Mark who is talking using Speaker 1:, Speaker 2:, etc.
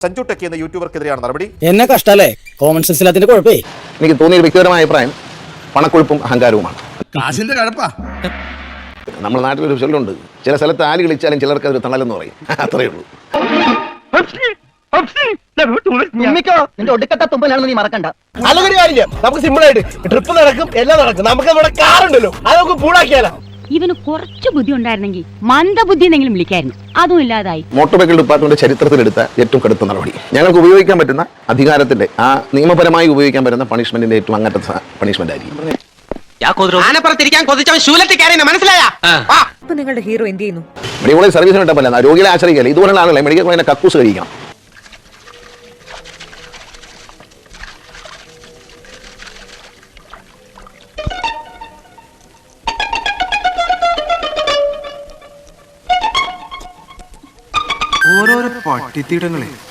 Speaker 1: Sanju techie എന്ന യൂട്യൂബർക്കെതിരെയാണ് നടപടി.
Speaker 2: എന്നെ കഷ്ടല്ലേ, കോമൺ സെൻസ് ഇല്ലാത്തതിന്റെ കുഴപ്പേ.
Speaker 3: എനിക്ക് തോന്നിയ വ്യക്തിപരമായ അഭിപ്രായം പണക്കൊഴുപ്പും അഹങ്കാരവുമാണ്.
Speaker 4: കാശിന്റെ കഴപ്പാ.
Speaker 3: നമ്മുടെ നാട്ടിലൊരു ചൊല്ലുണ്ട്, ചില സ്ഥലത്ത് ആല് കളിച്ചാലും ചിലർക്ക് അതൊരു തണലെന്ന് പറയും. അത്രയേ ഉള്ളൂ.
Speaker 5: നിന്റെ ഒടുക്കത്തെ തുമ്പലാണെന്ന് നീ മറക്കണ്ട.
Speaker 6: അതൊരു കാര്യമില്ല, നമുക്ക് സിമ്പിൾ ആയിട്ട് ട്രിപ്പ് നടക്കും, എല്ലാം നടക്കും. നമുക്ക് നമ്മുടെ കാറുണ്ടല്ലോ, അത് നമുക്ക് പൂളാക്കിയാലോ.
Speaker 7: ഇവന് കുറച്ച് ബുദ്ധി ഉണ്ടായിരുന്നെങ്കിൽ മന്ദബുദ്ധി എന്നെങ്കിലും വിളിക്കായിരുന്നു. അതും ഇല്ലാതായി.
Speaker 3: മോട്ടോർ വെഹിക്കിൾ ഡിപ്പാർട്ട്മെന്റ് ചരിത്രത്തിലെടുത്ത ഏറ്റവും കടുത്ത നടപടി. ഞങ്ങൾക്ക് ഉപയോഗിക്കാൻ പറ്റുന്ന അധികാരത്തിന്റെ ആ നിയമപരമായി ഉപയോഗിക്കാൻ പറ്റുന്ന പണിഷ്മെന്റിന്റെ ഏറ്റവും അങ്ങനത്തെ പണിഷ്മെന്റ് ആയിരിക്കും.
Speaker 8: നിങ്ങളുടെ ഹീറോ എന്ത് ചെയ്യുന്നു?
Speaker 3: മെഡിക്കൽ കോളേജ് സർവീസിന് വിട്ടപ്പല്ല, രോഗികളെ ആശ്രയിക്കല്ലേ. ഇതുപോലുള്ള ആളുകളെ മെഡിക്കൽ കോളേജിനെ കക്കൂസ് കഴിക്കണം.
Speaker 4: ഓരോരോ പട്ടിത്തീടങ്ങളെ